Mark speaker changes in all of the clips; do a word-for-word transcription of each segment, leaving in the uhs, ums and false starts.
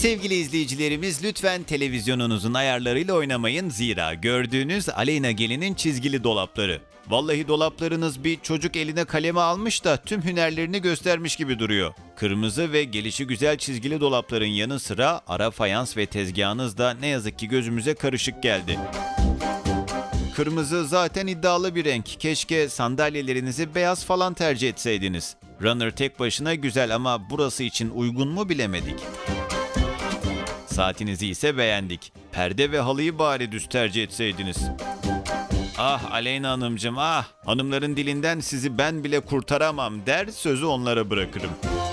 Speaker 1: Sevgili izleyicilerimiz, lütfen televizyonunuzun ayarlarıyla oynamayın, zira gördüğünüz Aleyna Gelin'in çizgili dolapları. Vallahi dolaplarınız bir çocuk eline kaleme almış da tüm hünerlerini göstermiş gibi duruyor. Kırmızı ve gelişi güzel çizgili dolapların yanı sıra ara fayans ve tezgahınız da ne yazık ki gözümüze karışık geldi. Kırmızı zaten iddialı bir renk. Keşke sandalyelerinizi beyaz falan tercih etseydiniz. Runner tek başına güzel ama burası için uygun mu bilemedik. Saatinizi ise beğendik. Perde ve halıyı bari düz tercih etseydiniz. Ah Aleyna Hanımcığım ah! Hanımların dilinden sizi ben bile kurtaramam der, sözü onlara bırakırım.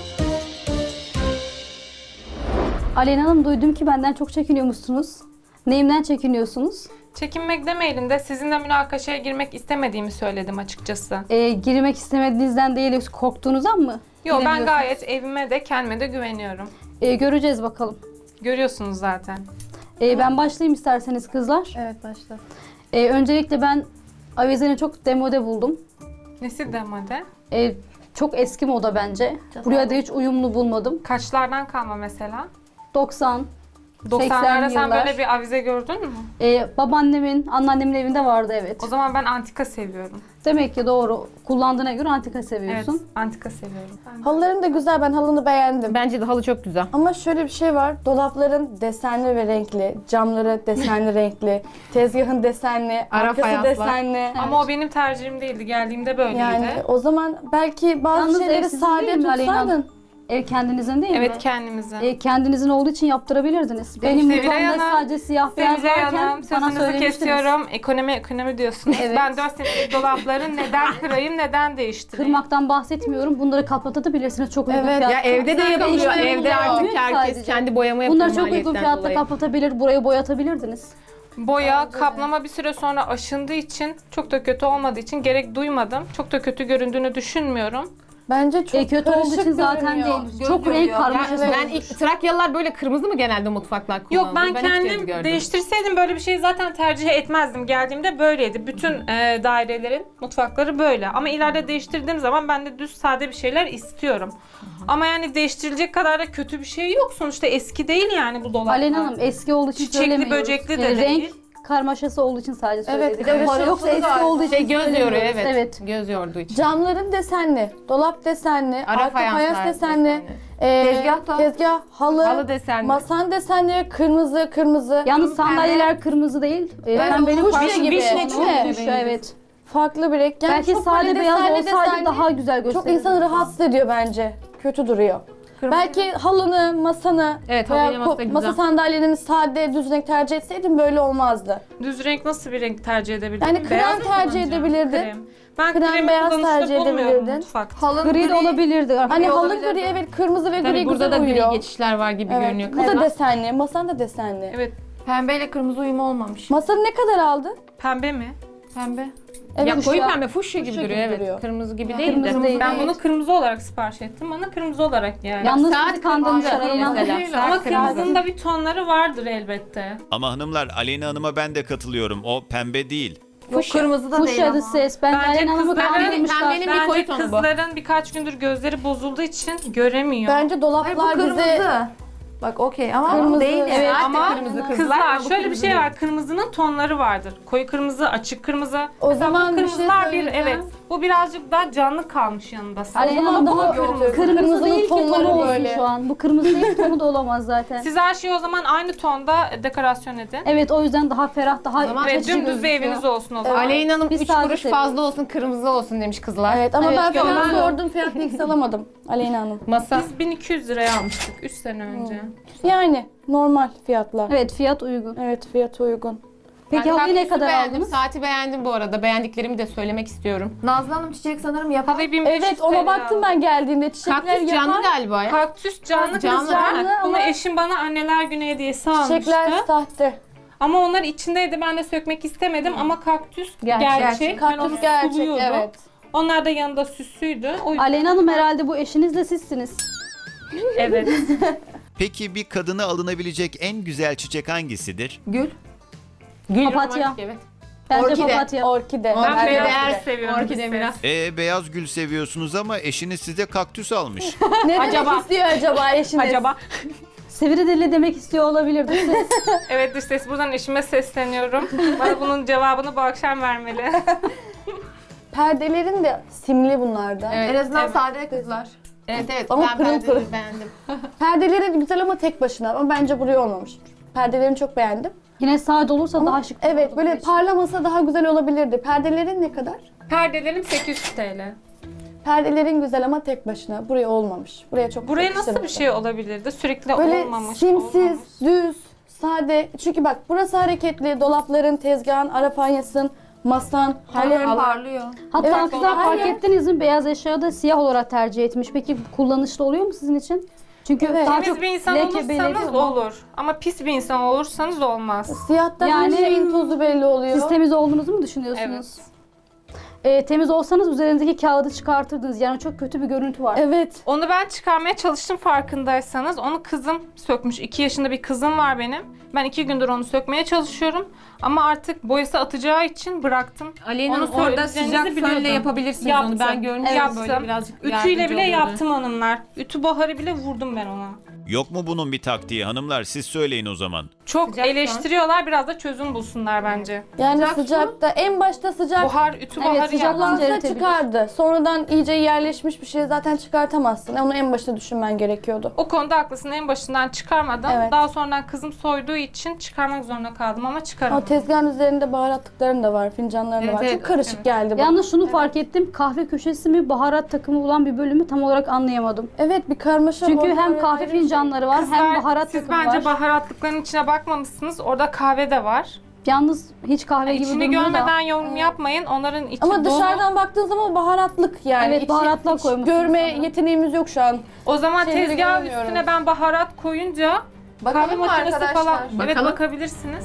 Speaker 2: Aleyna Hanım, duydum ki benden çok çekiniyormuşsunuz. Neyimden çekiniyorsunuz?
Speaker 3: Çekinmek demeyelim de sizinle münakaşaya girmek istemediğimi söyledim açıkçası.
Speaker 2: Ee, girmek istemediğinizden değil, yoksa korktuğunuzdan mı?
Speaker 3: Yo, ben
Speaker 2: giremiyorsunuz?
Speaker 3: gayet evime de kendime de güveniyorum.
Speaker 2: Ee, göreceğiz bakalım.
Speaker 3: Görüyorsunuz zaten.
Speaker 2: Ee, ben başlayayım isterseniz kızlar.
Speaker 4: Evet, başla.
Speaker 2: Ee, öncelikle ben avizeni çok demode buldum.
Speaker 3: Nesi demode?
Speaker 2: Ee, çok eski moda bence. Buraya da hiç uyumlu bulmadım.
Speaker 3: Kaçlardan kalma mesela?
Speaker 2: doksan,
Speaker 3: doksanlarda sen
Speaker 2: yıllar.
Speaker 3: böyle bir avize gördün mü?
Speaker 2: Ee, babaannemin, anneannemin evinde vardı, evet.
Speaker 3: O zaman ben antika seviyorum.
Speaker 2: Demek ki doğru. Kullandığına göre antika seviyorsun.
Speaker 3: Evet, antika seviyorum.
Speaker 4: Halıların da güzel, ben halını beğendim.
Speaker 5: Bence de halı çok güzel.
Speaker 4: Ama şöyle bir şey var, dolapların desenli ve renkli, camları desenli renkli, tezgahın desenli,
Speaker 5: Ara
Speaker 4: arkası
Speaker 5: fayanslar.
Speaker 4: desenli.
Speaker 3: Ama o benim tercihim değildi. Geldiğimde böyleydi.
Speaker 4: Yani o zaman belki bazı
Speaker 2: Yalnız ev
Speaker 4: şeyleri
Speaker 2: sizin
Speaker 4: sade
Speaker 2: değil mi Aleyna Hanım?
Speaker 4: tutsaydın.
Speaker 2: Ev kendinizin değil mi?
Speaker 3: Evet, kendimizin.
Speaker 2: E, kendinizin olduğu için yaptırabilirdiniz. Benim
Speaker 3: Sevilay
Speaker 2: mutfağımda
Speaker 3: Hanım,
Speaker 2: sadece siyah beyaz
Speaker 3: Sevilay
Speaker 2: varken
Speaker 3: Hanım,
Speaker 2: bana
Speaker 3: sözünüzü
Speaker 2: söylemiştiniz.
Speaker 3: kesiyorum. Ekonomi ekonomi diyorsunuz.
Speaker 2: Evet.
Speaker 3: Ben dört senelik dolapları neden kırayım, neden değiştireyim?
Speaker 2: Kırmaktan bahsetmiyorum. Bunları kapatabilirsiniz çok uygun
Speaker 4: Evet.
Speaker 2: fiyatla.
Speaker 5: Ya evde de yapılıyor.
Speaker 2: Değiştirmeyin
Speaker 5: Evde
Speaker 2: ya.
Speaker 5: artık herkes
Speaker 2: Sadece.
Speaker 5: kendi boyama yapıyor.
Speaker 2: Bunları çok uygun
Speaker 5: maliyetten
Speaker 2: fiyatla
Speaker 5: dolayı.
Speaker 2: kapatabilir, burayı boyatabilirdiniz.
Speaker 3: Boya, kaplama bir süre sonra aşındığı için, çok da kötü olmadığı için gerek duymadım. Çok da kötü göründüğünü düşünmüyorum.
Speaker 4: Bence çok
Speaker 2: E, kötü olduğu
Speaker 4: karışık
Speaker 2: için zaten
Speaker 4: görünüyor.
Speaker 2: değil. Çok renk karmaşası.
Speaker 5: Ben, ben ilk, Trakyalılar böyle kırmızı mı genelde mutfaklar kullanır?
Speaker 3: Yok, ben,
Speaker 5: hiç kez
Speaker 3: kendim
Speaker 5: gördüm.
Speaker 3: değiştirseydim böyle bir şeyi zaten tercih etmezdim. Geldiğimde böyleydi. Bütün e, dairelerin mutfakları böyle. Ama ileride değiştirdiğim zaman ben de düz sade bir şeyler istiyorum. Ama yani değiştirilecek kadar da kötü bir şey yok. Sonuçta eski değil yani bu dolaplar.
Speaker 2: Aleyna Hanım, eski olduğu için
Speaker 3: Çiçekli,
Speaker 2: söylemiyoruz.
Speaker 3: böcekli de
Speaker 2: E,
Speaker 3: değil.
Speaker 2: Renk karmaşası olduğu için sadece
Speaker 4: Evet,
Speaker 2: söyledik.
Speaker 4: bir de
Speaker 2: Yoksa
Speaker 4: ışıltılı
Speaker 2: eski
Speaker 4: var.
Speaker 2: olduğu için
Speaker 5: Şey göz yoruyor,
Speaker 2: söylemiyoruz.
Speaker 5: evet.
Speaker 2: Evet.
Speaker 5: Göz yorduğu için.
Speaker 4: Camların desenli, dolap desenli,
Speaker 5: Ara
Speaker 4: arka fayans
Speaker 5: fayanslar
Speaker 4: desenli,
Speaker 5: desenli.
Speaker 4: e,
Speaker 5: Tezgah da-
Speaker 4: tezgah, halı,
Speaker 5: Halı desenli.
Speaker 4: masan desenli, kırmızı, kırmızı.
Speaker 2: Yalnız sandalyeler kırmızı değil. E,
Speaker 4: Evet,
Speaker 2: pembenin
Speaker 4: kuş
Speaker 2: farklı
Speaker 4: gibi,
Speaker 2: bir
Speaker 4: değil
Speaker 2: rengi.
Speaker 4: mi?
Speaker 2: Kuş, evet.
Speaker 4: Farklı bir renk. Yani
Speaker 2: Belki
Speaker 4: çok
Speaker 2: sade
Speaker 4: böyle
Speaker 2: beyaz
Speaker 4: desenli,
Speaker 2: olsaydı
Speaker 4: desenli,
Speaker 2: daha güzel
Speaker 4: çok
Speaker 2: gösterirdi.
Speaker 4: insanı rahatsız ediyor bence. Kötü duruyor. Belki halını, masanı
Speaker 5: Evet,
Speaker 4: veya
Speaker 5: halıyla masa
Speaker 4: ko-
Speaker 5: güzel.
Speaker 4: masa sandalyelerini sade, düz renk tercih etseydin böyle olmazdı.
Speaker 3: Düz renk nasıl bir renk tercih edebilirim?
Speaker 4: Yani krem
Speaker 3: Beyaz mı
Speaker 4: tercih
Speaker 3: kullanacağım?
Speaker 4: edebilirdin.
Speaker 3: Krem. Ben
Speaker 4: Krem,
Speaker 3: kremi
Speaker 4: beyaz
Speaker 3: kullanışlı
Speaker 4: tercih
Speaker 3: bulmuyorum
Speaker 4: edebilirdin.
Speaker 3: mutfakta.
Speaker 2: Gri de olabilirdi.
Speaker 4: Hani halı gri, evet, kırmızı ve
Speaker 5: Tabii
Speaker 4: gri
Speaker 5: burada
Speaker 4: güzel
Speaker 5: da gri
Speaker 4: uyuyor.
Speaker 5: geçişler var gibi
Speaker 4: Evet,
Speaker 5: görünüyor.
Speaker 4: bu da
Speaker 5: kızlar.
Speaker 4: desenli, masan da desenli.
Speaker 3: Evet.
Speaker 6: Pembeyle kırmızı uyumu olmamış.
Speaker 4: Masanı ne kadar aldın?
Speaker 3: Pembe mi?
Speaker 6: Pembe.
Speaker 4: Evet,
Speaker 5: Ya koyu
Speaker 4: şu an-
Speaker 5: pembe, fuşya gibi
Speaker 4: fuşya
Speaker 5: duruyor,
Speaker 4: gibi
Speaker 5: evet.
Speaker 4: duruyor.
Speaker 5: Kırmızı gibi
Speaker 2: Ha,
Speaker 5: değil de.
Speaker 2: kırmızı değil.
Speaker 3: Ben bunu kırmızı olarak sipariş ettim. Bana kırmızı olarak yani.
Speaker 2: Yalnız
Speaker 5: Saat
Speaker 2: sizi kandırmışlar
Speaker 5: kırmızı
Speaker 2: Aleyna Hanım.
Speaker 5: mesela.
Speaker 3: Ama
Speaker 5: Saat kırmızı.
Speaker 3: kırmızının da bir tonları vardır elbette.
Speaker 1: Ama hanımlar, Aleyna Hanım'a ben de katılıyorum. O pembe değil.
Speaker 6: Yok, kırmızı da değil
Speaker 2: Fuşya
Speaker 6: ama.
Speaker 2: da ses. Bence
Speaker 3: Bence
Speaker 2: Aleyna Hanım'ı
Speaker 3: kızların-
Speaker 2: kandırmışlar.
Speaker 5: pembenin- bir
Speaker 3: Bence
Speaker 5: koyu tonu bu.
Speaker 3: kızların birkaç gündür gözleri bozulduğu için göremiyor.
Speaker 4: Bence
Speaker 6: Hayır, bu
Speaker 4: dolaplar
Speaker 6: kırmızı.
Speaker 4: bize...
Speaker 6: Bak okey ama
Speaker 4: Kırmızı,
Speaker 6: değil.
Speaker 4: evet.
Speaker 6: yani.
Speaker 3: Ama
Speaker 5: kırmızı kızlar,
Speaker 3: kızlar,
Speaker 5: ama bu
Speaker 3: şöyle bir
Speaker 5: kırmızı
Speaker 3: şey
Speaker 5: değil.
Speaker 3: var. Kırmızının tonları vardır. Koyu kırmızı, açık kırmızı.
Speaker 4: O
Speaker 3: Mesela bu
Speaker 4: zaman bir şey
Speaker 3: kırmızılar bir,
Speaker 4: söyleyeceğim.
Speaker 3: evet. Bu birazcık daha canlı kalmış yanında.
Speaker 2: Aleyna Hanım daha
Speaker 4: kırmızı.
Speaker 2: kırmızı,
Speaker 4: Kırmızının
Speaker 2: değil ki
Speaker 4: tonları
Speaker 2: tonu olsun
Speaker 4: böyle.
Speaker 2: şu an. Bu kırmızı değil, tonu da olamaz zaten.
Speaker 3: Siz her şeyi o zaman aynı tonda dekorasyon edin.
Speaker 2: Evet, o yüzden daha ferah, daha
Speaker 5: zaman
Speaker 3: Ve
Speaker 2: açıcı
Speaker 3: dümdüz bir
Speaker 2: gözüküyor.
Speaker 3: eviniz olsun o zaman.
Speaker 5: Aleyna Hanım
Speaker 2: Biz
Speaker 5: üç
Speaker 2: sade
Speaker 5: kuruş
Speaker 2: seviyoruz.
Speaker 5: fazla olsun, kırmızı olsun demiş kızlar.
Speaker 4: Evet ama
Speaker 2: Evet,
Speaker 4: ben
Speaker 2: yok,
Speaker 4: fiyatı
Speaker 3: ben-
Speaker 4: sordum, fiyatını hiç alamadım Aleyna Hanım.
Speaker 5: Masa.
Speaker 3: Biz bin iki yüz liraya almıştık üç sene önce.
Speaker 4: Yani normal fiyatlar.
Speaker 2: Evet, fiyat uygun.
Speaker 4: Evet, fiyatı uygun.
Speaker 2: Peki
Speaker 5: Ben
Speaker 2: halıyı ne
Speaker 5: kaktüsü
Speaker 2: kadar
Speaker 5: beğendim,
Speaker 2: aldınız?
Speaker 5: Saati beğendim bu arada. Beğendiklerimi de söylemek istiyorum.
Speaker 6: Nazlı Hanım çiçek sanırım yapar.
Speaker 3: Halıyı bin beş yüz
Speaker 4: Evet, ona
Speaker 3: TL
Speaker 4: baktım
Speaker 3: aldım.
Speaker 4: ben geldiğimde. Çiçekler
Speaker 5: Kaktüs canlı
Speaker 4: yapan,
Speaker 5: galiba ya.
Speaker 3: Kaktüs canlı,
Speaker 5: Canlı,
Speaker 3: kızlar.
Speaker 4: canlı
Speaker 3: Bunu
Speaker 4: ama-
Speaker 3: eşim bana anneler günü hediyesi almıştı.
Speaker 4: çiçekler sahte.
Speaker 3: Ama onlar içindeydi, ben de sökmek istemedim ama kaktüs gerçek.
Speaker 4: Gerçek.
Speaker 3: Ben onu
Speaker 4: Kaktüs gerçek,
Speaker 3: suluyordum.
Speaker 4: evet.
Speaker 3: Onlar da yanında süsüydü. O yüzden
Speaker 2: Aleyna Hanım, herhalde bu eşiniz de sizsiniz.
Speaker 3: evet.
Speaker 1: Peki bir kadına alınabilecek en güzel çiçek hangisidir?
Speaker 6: Gül.
Speaker 5: Gül
Speaker 2: Papatya.
Speaker 5: romantik, evet.
Speaker 2: Bence
Speaker 5: Orkide.
Speaker 2: papatya.
Speaker 4: Orkide.
Speaker 3: Ben
Speaker 5: Orkide
Speaker 3: beyaz
Speaker 5: değer-
Speaker 3: gül seviyorum.
Speaker 5: Orkide
Speaker 3: biz
Speaker 5: biraz.
Speaker 3: de.
Speaker 1: E beyaz gül seviyorsunuz ama eşiniz size kaktüs almış.
Speaker 4: Ne demek
Speaker 3: Acaba-
Speaker 4: istiyor acaba eşiniz?
Speaker 3: Acaba
Speaker 2: Sivri dilli demek istiyor olabilirdi. Siz
Speaker 3: Evet dış ses, buradan eşime sesleniyorum. Bana bunun cevabını bu akşam vermeli.
Speaker 4: Perdelerin de simli bunlarda.
Speaker 5: Evet.
Speaker 6: En azından
Speaker 3: Evet.
Speaker 6: sade kızlar.
Speaker 5: Evet evet
Speaker 4: Ama
Speaker 5: ben
Speaker 4: pırıl
Speaker 5: perdeleri
Speaker 4: pırıl.
Speaker 5: beğendim.
Speaker 4: Perdelerin güzel ama tek başına. Ama bence buraya olmamış. Perdelerini çok beğendim.
Speaker 2: yine sade olursa
Speaker 4: Ama
Speaker 2: daha şık.
Speaker 4: evet
Speaker 2: olurdu
Speaker 4: böyle
Speaker 2: bu iş.
Speaker 4: parlamasa daha güzel olabilirdi. Perdelerin ne kadar?
Speaker 3: Perdelerim sekiz yüz T L.
Speaker 4: Perdelerin güzel ama tek başına. Buraya olmamış. Buraya çok
Speaker 3: Buraya nasıl
Speaker 4: yakıştırmadı.
Speaker 3: bir şey olabilirdi? Sürekli
Speaker 4: Böyle
Speaker 3: olmamış.
Speaker 4: simsiz,
Speaker 3: olmamış.
Speaker 4: düz, sade. Çünkü bak burası hareketli. Dolapların, tezgahın, ara fanyasın, masan,
Speaker 6: Her
Speaker 4: halın.
Speaker 6: yer parlıyor.
Speaker 2: Hatta
Speaker 4: Evet,
Speaker 2: kızlar
Speaker 4: her
Speaker 2: fark
Speaker 4: yer-
Speaker 2: ettiniz mi? Beyaz eşyayı da siyah olarak tercih etmiş. Peki kullanışlı oluyor mu sizin için? Çünkü
Speaker 4: Evet.
Speaker 2: daha
Speaker 3: Temiz
Speaker 2: çok
Speaker 3: bir insan
Speaker 2: leke
Speaker 3: olursanız
Speaker 2: beliriyor mu?
Speaker 3: olur. Ama pis bir insan olursanız olmaz.
Speaker 4: Siyahta
Speaker 2: Yani-
Speaker 4: her şeyin tozu belli oluyor.
Speaker 2: Siz temiz olduğunuzu mu düşünüyorsunuz? Ee, temiz olsanız üzerindeki kağıdı çıkartırdınız. Yani çok kötü bir görüntü var.
Speaker 4: Evet.
Speaker 3: Onu ben çıkarmaya çalıştım farkındaysanız. Onu kızım sökmüş. iki yaşında bir kızım var benim. Ben iki gündür onu sökmeye çalışıyorum. Ama artık boyası atacağı için bıraktım.
Speaker 5: Aleyna
Speaker 3: Onu
Speaker 5: orada
Speaker 3: söyleyeceğinizi
Speaker 5: sıcak fönle
Speaker 3: biliyordum.
Speaker 5: yapabilirsiniz
Speaker 3: Yaptım.
Speaker 5: onu. Ben görmüştüm
Speaker 3: Yaptım.
Speaker 5: böyle birazcık
Speaker 3: Ütüyle
Speaker 5: yardımcı
Speaker 3: bile
Speaker 5: oluyordu.
Speaker 3: yaptım hanımlar. Ütü buharı bile vurdum ben ona.
Speaker 1: Yok mu bunun bir taktiği hanımlar? Siz söyleyin o zaman.
Speaker 3: Çok
Speaker 5: Sıcak fön.
Speaker 3: eleştiriyorlar. Biraz da çözüm bulsunlar bence.
Speaker 4: Yani
Speaker 6: Sıcak su.
Speaker 4: sıcakta en başta sıcak
Speaker 3: Buhar, ütü
Speaker 2: Evet,
Speaker 3: buharı
Speaker 2: sıcak
Speaker 3: yaptım.
Speaker 2: bence
Speaker 4: kullansa
Speaker 2: eritebilir.
Speaker 4: çıkardı. Sonradan iyice yerleşmiş bir şey zaten çıkartamazsın. Onu en başta düşünmen gerekiyordu.
Speaker 3: O konuda haklısın. En başından çıkarmadım.
Speaker 4: Evet.
Speaker 3: Daha sonradan kızım soyduğu için çıkarmak zorunda kaldım ama
Speaker 4: O
Speaker 3: çıkaramadım.
Speaker 4: tezgahın üzerinde baharatlıkların da var, fincanların da
Speaker 5: Evet,
Speaker 4: var.
Speaker 5: evet,
Speaker 4: Çok karışık
Speaker 3: evet.
Speaker 4: geldi bu.
Speaker 2: Yalnız şunu fark ettim. Kahve köşesi mi, baharat takımı olan bir bölümü tam olarak anlayamadım.
Speaker 4: Evet bir karmaşa.
Speaker 2: Çünkü
Speaker 4: orada
Speaker 2: hem
Speaker 4: ayrı
Speaker 2: kahve
Speaker 4: bir şey.
Speaker 2: fincanları var, hem baharat
Speaker 3: siz
Speaker 2: takımı
Speaker 3: bence
Speaker 2: var.
Speaker 3: baharatlıkların içine bakmamışsınız. Orada kahve de var.
Speaker 2: Yalnız hiç kahve gibi
Speaker 3: İçini
Speaker 2: durmuyor da.
Speaker 3: görmeden yorum yapmayın. Onların içi
Speaker 4: Ama
Speaker 3: dolu.
Speaker 4: dışarıdan baktığın zaman baharatlık yani.
Speaker 2: Evet,
Speaker 4: İçi-
Speaker 2: baharatlar
Speaker 4: hiç
Speaker 2: koymuşsunuz
Speaker 4: Görme
Speaker 2: sanırım.
Speaker 4: yeteneğimiz yok şu an.
Speaker 3: O zaman
Speaker 4: Şeyleri
Speaker 3: tezgah
Speaker 4: görmüyoruz.
Speaker 3: üstüne ben baharat koyunca kahve
Speaker 6: Bakalım mı
Speaker 3: makinesi
Speaker 6: arkadaşlar?
Speaker 3: falan. Evet
Speaker 5: Bakalım.
Speaker 3: bakabilirsiniz.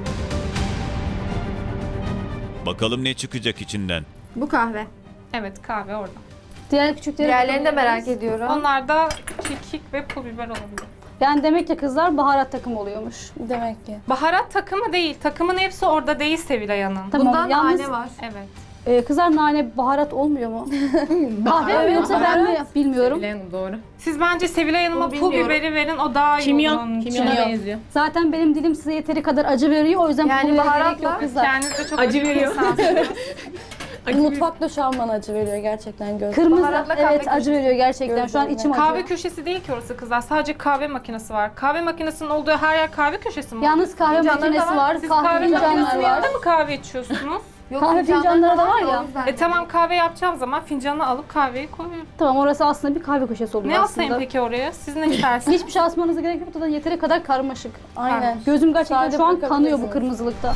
Speaker 1: Bakalım ne çıkacak içinden.
Speaker 6: Bu kahve.
Speaker 3: Evet kahve orada.
Speaker 2: Diğer küçükleri
Speaker 6: Diğerlerini de
Speaker 2: bakabiliriz.
Speaker 6: merak ediyorum.
Speaker 3: Onlar da kekik ve pul biber olabilir.
Speaker 2: Yani demek ki kızlar baharat takımı oluyormuş.
Speaker 4: Demek ki.
Speaker 3: Baharat takımı değil. Takımın hepsi orada değil Sevilay Hanım.
Speaker 2: Tamam.
Speaker 6: Bundan
Speaker 2: Yalnız
Speaker 6: nane var.
Speaker 3: Evet.
Speaker 2: e, kızlar nane baharat olmuyor mu? Kahve mi yoksa ben mi bilmiyorum.
Speaker 5: Aleyna doğru.
Speaker 3: Siz bence Sevilay Hanım'a
Speaker 6: Bunu
Speaker 3: pul
Speaker 6: bilmiyorum.
Speaker 3: biberi verin. O daha iyi olur
Speaker 5: Kimyon.
Speaker 3: onun için.
Speaker 5: Kimyona
Speaker 4: Kimyon.
Speaker 5: benziyor.
Speaker 2: Zaten benim dilim size yeteri kadar acı veriyor. O yüzden
Speaker 6: Yani
Speaker 2: pul biber gerek
Speaker 6: baharatla-
Speaker 2: yok kızlar.
Speaker 3: Kendiniz de çok
Speaker 5: Acı
Speaker 3: acı bir
Speaker 5: veriyor.
Speaker 3: insansınız.
Speaker 4: Mutfakta şu an bana acı veriyor gerçekten göz.
Speaker 2: Kırmızı
Speaker 6: Baharatla kahve
Speaker 2: evet acı veriyor gerçekten. Şu an
Speaker 4: Gözlerine.
Speaker 2: içim acıyor.
Speaker 3: Kahve köşesi değil ki orası kızlar. Sadece kahve makinesi var. Kahve makinesinin olduğu her yer kahve köşesi mi?
Speaker 2: Yalnız kahve
Speaker 6: Fincanları da
Speaker 2: makinesi
Speaker 6: var.
Speaker 2: var,
Speaker 3: Siz
Speaker 2: kahve
Speaker 3: kahve
Speaker 2: fincanları
Speaker 3: makinesinin
Speaker 2: var.
Speaker 3: yanında mı kahve içiyorsunuz?
Speaker 6: Yok,
Speaker 2: Kahve
Speaker 6: fincanları
Speaker 2: fincanları da var ya.
Speaker 6: o yüzden.
Speaker 3: e tamam kahve yapacağım zaman fincanı alıp kahveyi koyuyorum.
Speaker 2: Tamam orası aslında bir kahve köşesi oluyor
Speaker 3: Ne
Speaker 2: aslında.
Speaker 3: asayım peki oraya? Siz ne istersiniz?
Speaker 2: Hiçbir şey asmanıza gerek yok da yeteri kadar karmaşık.
Speaker 4: Aynen.
Speaker 2: Gözüm gerçekten
Speaker 4: Sadece
Speaker 2: şu an kanıyor bu
Speaker 4: bırakabilirsiniz.
Speaker 2: kırmızılıkta.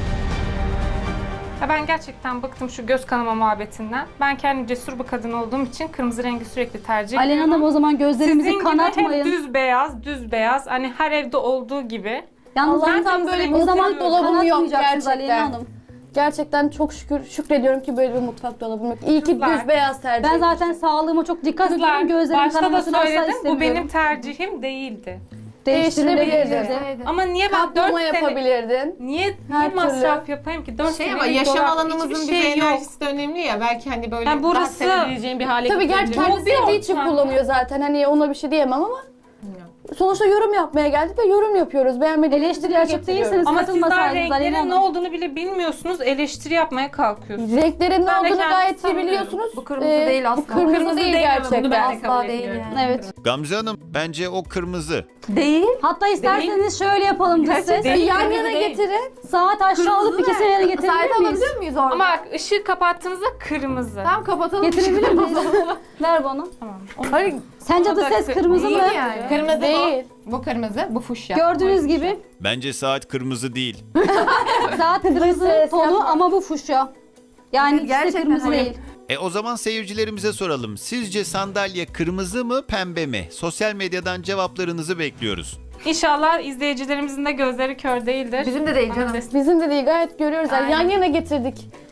Speaker 3: Ya ben gerçekten bıktım şu göz kanama muhabbetinden. Ben kendim cesur bir kadın olduğum için kırmızı rengi sürekli tercih
Speaker 2: Aleyna
Speaker 3: ediyorum.
Speaker 2: Hanım o zaman gözlerimizi
Speaker 3: Sizin gibi
Speaker 2: kanatmayın.
Speaker 3: hep düz beyaz, düz beyaz. Hani her evde olduğu gibi.
Speaker 2: Yalnız
Speaker 4: Allah'tan
Speaker 2: zaten
Speaker 4: böyle
Speaker 2: o
Speaker 4: bir
Speaker 2: zaman
Speaker 4: seviyorum. Dolabım yok
Speaker 2: kanatmayacaksınız Aleyna
Speaker 4: gerçekten.
Speaker 2: Hanım.
Speaker 4: Gerçekten çok şükür şükrediyorum ki böyle bir mutfak dolabım yok. İyi ki
Speaker 3: Kızlar,
Speaker 4: düz beyaz tercih
Speaker 2: Ben zaten sağlığıma çok dikkat
Speaker 3: Kızlar,
Speaker 2: ediyorum. Gözlerim
Speaker 3: başta da
Speaker 2: kanamasını asla
Speaker 3: söyledim bu
Speaker 2: istemiyorum.
Speaker 3: benim tercihim değildi.
Speaker 2: Değiştirilebilirdi.
Speaker 4: Değiştirebilirdin.
Speaker 3: Ama niye ben dört
Speaker 4: Kaplama
Speaker 3: sene...
Speaker 4: yapabilirdin.
Speaker 3: Niye, niye
Speaker 4: Her
Speaker 3: masraf yapayım ki? dört
Speaker 5: Şey
Speaker 3: sene
Speaker 5: ama yaşam
Speaker 3: dolap,
Speaker 5: alanımızın
Speaker 3: hiçbir
Speaker 5: bize
Speaker 3: şey yok.
Speaker 5: enerjisi de önemli ya. Belki hani böyle
Speaker 3: Yani
Speaker 5: daha
Speaker 3: burası-
Speaker 5: sevebileceğin bir hale
Speaker 4: Tabii gerçi
Speaker 5: getirebilir.
Speaker 4: kendi
Speaker 3: bir
Speaker 4: sevdiği için
Speaker 3: ortam.
Speaker 4: kullanıyor zaten. Hani ona bir şey diyemem ama sonuçta yorum yapmaya geldik ve yorum yapıyoruz. Beğenmediğimiz
Speaker 2: Eleştiri
Speaker 4: dile
Speaker 2: açık
Speaker 4: getiriyoruz.
Speaker 2: değilseniz
Speaker 3: Ama sizler
Speaker 2: katılmasaydınız Aleyna
Speaker 3: renklerin ne
Speaker 2: Hanım.
Speaker 3: olduğunu bile bilmiyorsunuz. Eleştiri yapmaya kalkıyorsunuz.
Speaker 4: Renklerin ne
Speaker 3: Ben de
Speaker 4: olduğunu
Speaker 3: kendimi
Speaker 4: gayet iyi
Speaker 3: tanımıyorum.
Speaker 4: biliyorsunuz.
Speaker 6: Bu kırmızı
Speaker 4: Ee,
Speaker 6: değil asla.
Speaker 4: Bu kırmızı,
Speaker 3: Kırmızı
Speaker 4: değil
Speaker 3: değil ama
Speaker 4: gerçekten.
Speaker 5: bunu ben de kabul
Speaker 6: Asla değil
Speaker 5: etmiyorum.
Speaker 6: yani.
Speaker 2: Evet.
Speaker 1: Gamze Hanım bence o kırmızı.
Speaker 6: Değil.
Speaker 2: Hatta isterseniz şöyle yapalım biz siz.
Speaker 4: Bir yan
Speaker 3: Kırmızı
Speaker 4: yana
Speaker 3: değil.
Speaker 4: getirin.
Speaker 2: Saat aşağı alıp ikisini yana
Speaker 6: Saat
Speaker 2: getirebilir miyiz?
Speaker 6: alabilir miyiz orada?
Speaker 3: Ama bak ışığı kapattığınızda kırmızı.
Speaker 6: Tamam kapatalım.
Speaker 2: Getirebilir miyiz? Ver bana.
Speaker 3: Tamam.
Speaker 6: Hayır.
Speaker 2: Sence
Speaker 3: O
Speaker 2: de
Speaker 3: da
Speaker 2: ses
Speaker 3: kı-
Speaker 2: kırmızı mı?
Speaker 6: Değil yani.
Speaker 5: Kırmızı
Speaker 4: Değil.
Speaker 5: bu. Bu kırmızı, bu fuşya.
Speaker 2: Gördüğünüz gibi
Speaker 1: Bence saat kırmızı değil.
Speaker 2: saat kırmızı
Speaker 4: ses
Speaker 2: tonu
Speaker 4: yapma.
Speaker 2: ama bu fuşya. Yani ikisi de
Speaker 6: Gerçekten
Speaker 2: kırmızı
Speaker 6: öyle.
Speaker 2: değil.
Speaker 1: E o zaman seyircilerimize soralım. Sizce sandalye kırmızı mı pembe mi? Sosyal medyadan cevaplarınızı bekliyoruz.
Speaker 3: İnşallah izleyicilerimizin de gözleri kör değildir.
Speaker 6: Bizim de değil
Speaker 3: Ama
Speaker 6: canım.
Speaker 3: ses-
Speaker 4: Bizim de değil gayet görüyoruz. Yani yan
Speaker 3: Aynen.
Speaker 4: yana getirdik.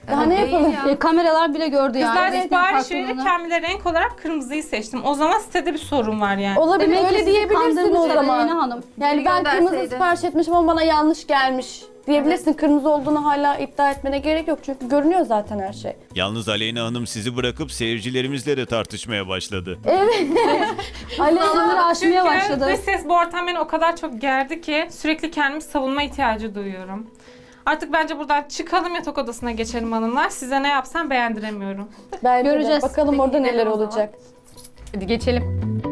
Speaker 4: Daha ne
Speaker 6: Değil
Speaker 4: yapalım?
Speaker 6: ya.
Speaker 2: E, kameralar bile gördü yani.
Speaker 3: Kızlar
Speaker 2: renklerin
Speaker 3: sipariş verir,
Speaker 2: farklılığını.
Speaker 3: kendime renk olarak kırmızıyı seçtim. O zaman sitede bir sorun var yani.
Speaker 4: Olabilir,
Speaker 2: Demek ki
Speaker 4: öyle
Speaker 2: sizi
Speaker 4: diyebilirsin o
Speaker 2: kandırmışlar
Speaker 4: zaman.
Speaker 2: Aleyna Hanım.
Speaker 4: Yani
Speaker 6: Biri
Speaker 4: ben kırmızı
Speaker 6: gönderseydi.
Speaker 4: sipariş etmişim ama bana yanlış gelmiş diyebilirsin. Kırmızı olduğunu hala iddia etmene gerek yok çünkü görünüyor zaten her şey.
Speaker 1: Yalnız Aleyna Hanım sizi bırakıp seyircilerimizle de tartışmaya başladı.
Speaker 2: Sınırı aşmaya
Speaker 3: Çünkü
Speaker 2: başladı.
Speaker 3: dış ses bu ortam beni o kadar çok gerdi ki sürekli kendimi savunma ihtiyacı duyuyorum. Artık bence buradan çıkalım, yatak odasına geçelim hanımlar. Size ne yapsam beğendiremiyorum.
Speaker 4: Bence de.
Speaker 2: Göreceğiz.
Speaker 4: Bakalım
Speaker 6: Peki,
Speaker 4: orada
Speaker 6: gidelim
Speaker 4: neler
Speaker 6: o zaman.
Speaker 4: olacak.
Speaker 5: Hadi geçelim.